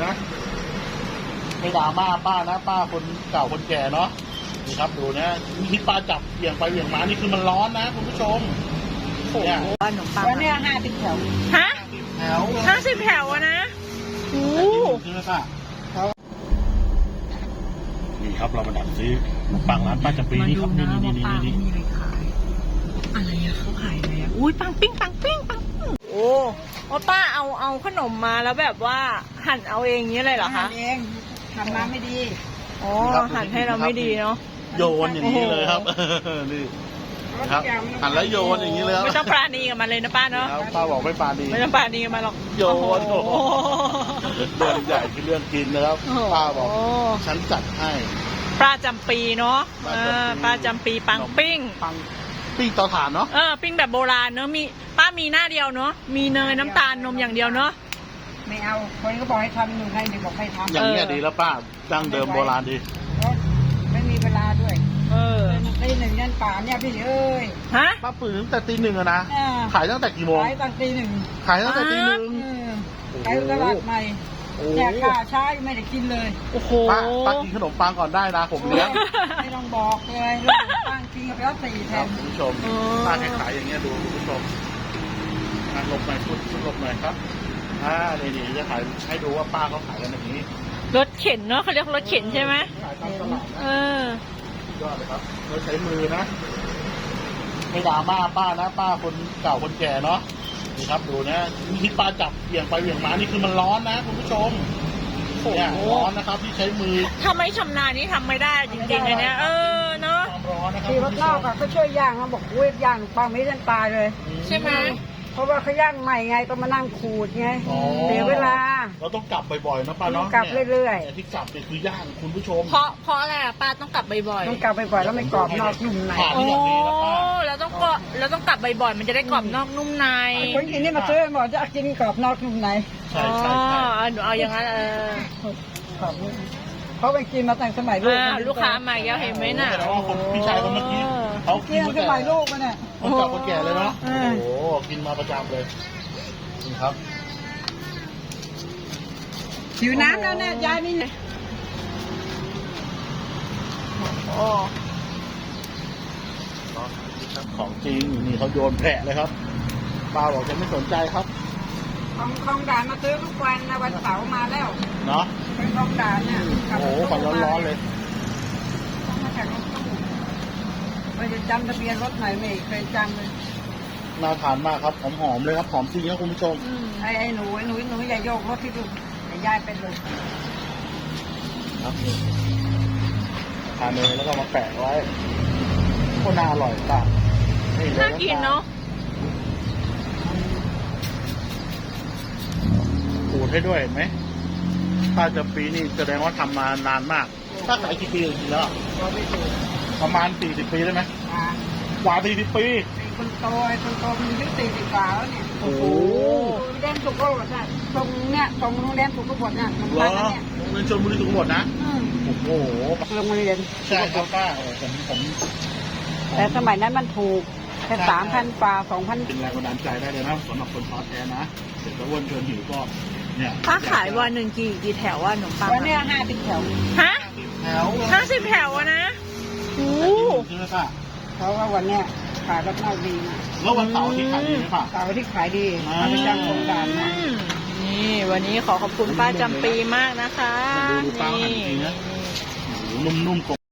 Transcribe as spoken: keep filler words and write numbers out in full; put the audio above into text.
นะไม่ด่าม่าป้านะป้าคนเก่าคนแก่เนาะนี่ครับดูนะที่ป้าจับเบี่ยงไปเบี่ยงมานี่คือมันร้อนนะคุณผู้ชมเนี่ยขนมปังวันนี้ห้าสิบแถวฮะแถวห้าสิบแถวอะนะโอ้ใช่ไหมป้านี่ครับเรามาดักซื้อขนมปังร้านป้าจำปีนี่ครับนี่นี่นี่นี่มีอะไรขายอะไรอะเขาขายอะไรอะอุ้ยปังปิ้งปังปิ้งปังปิ้งโอ้โอ้ป้าเอาเอาขนมมาแล้วแบบว่าหั่นเอาเองอย่างนี้เลยเหรอคะทำเองทำมาไม่ดีอ๋อหั่นให้เราไม่ดีเนาะโยนอย่างนี้เลยครับนี่ครับหั่นแล้วโยนอย่างนี้เลยครับไม่ต้องปราณีกับมันเลยนะป้าเนาะครับป้าบอกไม่ปาดีไม่ต้องปราณีกับมันหรอกโยนโอ้โหเรื่องใหญ่คือเรื่องกินนะครับป้าบอกโอ้ฉันจัดให้ปลาจำปีเนาะปลาเอจำปีอปลาจำปีปังปิ้งปังปิ้งเตาถ่านเนาะเออปิ้งแบบโบราณเนาะมีป้ามีหน้าเดียวเนาะมีเนยน้ำตาลนมอย่างเดียวเนาะไม่เอาคนก็บอกให้ทำหนูให้เด็กบอกให้ทำอย่างนี้ยดีแล้วป้าดั้งเดิมโบราณดีเพราะไม่มีเวลาด้วยเออตีหนึ่งยันป่านเนี่ยพี่เอ้ยฮะป้าปืนตั้งแต่ตีหนึ่งอะนะอ่าขายตั้งแต่กี่โมงขายตั้งตีหนึ่งขายตั้งแต่ตีหนึ่งเออไปตลาดใหม่โอ้แต่ข้าช้าไม่ได้กินเลยโอ้โหป้าป้ากินขนมปังก่อนได้นะผมเลี้ยงไม่ต้องบอกเลยลูกตั้งกินกับแล้วสี่แทครับนคุณผู้ชมป้าแค่ขายอย่างเงี้ยดูคุณผู้ชมอ่ะหลบหน่อยพูดหลบหน่อยครับอ่านี่นี่จะขายให้ดูว่าป้าเขาขายกันอย่างนี้รถเข็นเนาะเขาเรียกรถเข็นใช่ไหมขายตามตลาดเอนะอยอดเลยครับเราใช้มือนะไม่ด่าม่าป้านะป้าคนเก่าคนแก่เนาะนี่ครับดูนะที่ป้าจับเบี่ยงไปเบี่ยงมานี่คือมันร้อนนะคุณผู้ชมเนี่ยร้อนนะครับที่ใช้มือถ้าไม่ชำนาญนี่ทำไม่ได้จริงๆเลยเนี่ยเออเนาะความร้อนนะครับที่รถนอกอะเขาช่วยย่างเขาบอกเว้ยย่างปังไม่ทันตายเลยใช่ไหมเพราะว่าเขาย่างใหม่ไงต้องมานั่งขูดไงอ๋อเสียเวลาเราต้องกลับบ่อยๆนะป้าเนาะต้องกลับเรื่อยๆนี่ที่กลับเนี่ยคือย่างคุณผู้ชมเพราะเพราะอะไรอะป้าต้องกลับบ่อยๆต้องกลับไปบ่อยแล้วไม่กรอบนอกนุ่มในผ่านโอ้ที่แบบนี้นะป้าแล้วต้องก็แล้วต้องกลับบ่อยๆมันจะได้กรอบนอกนุ่มในคนกินนี่มาซื้อบอกจะกินกรอบนอกนุ่มในใช่อ๋อใช่ใช่หนูเอาอย่างนั้นเออกรอบนุ่มเขาไปกินมาตั้งสมัยลูกอ่าลูกค้ามาแล้วเห็นไหมน่ะแสดงว่าคนพี่ชายคนเมื่อกี้เขากิกินนสมาแต่มัยลูกมาเนี่ยคนเก่าคนแก่เลยเนาะเอโอ้อโหกินมาประจำเลยนี่ครับหิวน้ำแล้วเนี่ยยายนี่โอ้ของจริงนี่เขาโยนแผลเลยครับป้าบอกจะไม่สนใจครับของของด่านมาซื้อทุกวันนะวันเสาร์มาแล้วเนาะเป็นของด่านเนี่ยโอ้โหของร้อนๆเลยต้องมาจากรถตู้ไม่ได้จำทะเบียนรถไหนไม่เคยจำเลยน่าทานมากครับหอมๆเลยครับหอมจริงครับคุณผู้ชมอืมไอ้ไอ้หนูไอ้หนูหนูอย่าโยกรถที่ดูไอ้ยายเป็นเลยครับทานเลยแล้วก็มาแปะไว้โคตรน่าอร่อยป้านี่เลยน่ากินเนาะขูดให้ด้วยเห็นไหมป้าจะปีนี่แสดงว่าทำมานานมาก ถ้าขายกี่ปีจริงๆแล้วเราไม่ถูกประมาณสี่สิบปีได้ไหมอ่ากว่าสี่สิบปีไอ้คนโตไอ้คนโตมันอายุสี่สิบกว่าแล้วเนี่ยโอ้โหโรงเรียนสุขโขทัยตรงเนี่ยตรงโรงเรียนสุขโขทัยเนี่ยตรงเหรนั้อนเนี่ยโรงเรียนชลบุรีทุกหมดนะอืมโอ้โหโรงเรียนใช่ครับป้าโอ้ผมผมแต่สมัยนั้นมันถูกแค่สามพันกว่าสองพันเป็นแรงบันดาลใจได้เลยนะสำหรับคนท้อแท้นะเสร็จแล้วอ้วนเกินหิวก็เนี่ยป้าขายวันหนึ่งกี่กี่แถวว่าขนมปังวันเนี้ยห้าสิบแถวฮะแถวห้าสิบแถวอะนะโอ้ใช่ไหมป้าเพราะว่าวันเนี้ยขายรถนอกดีนะแล้ววันเสาร์ที่ขายดีไหมป้าเสาร์ที่ขายดีอ่าเอาไปจ้างโครงการนะนี่วันนี้ขอขอบคุณป้าจำปีมากนะคะดูดูป้าหั่นจริงนะ โอ้โหนุ่มๆ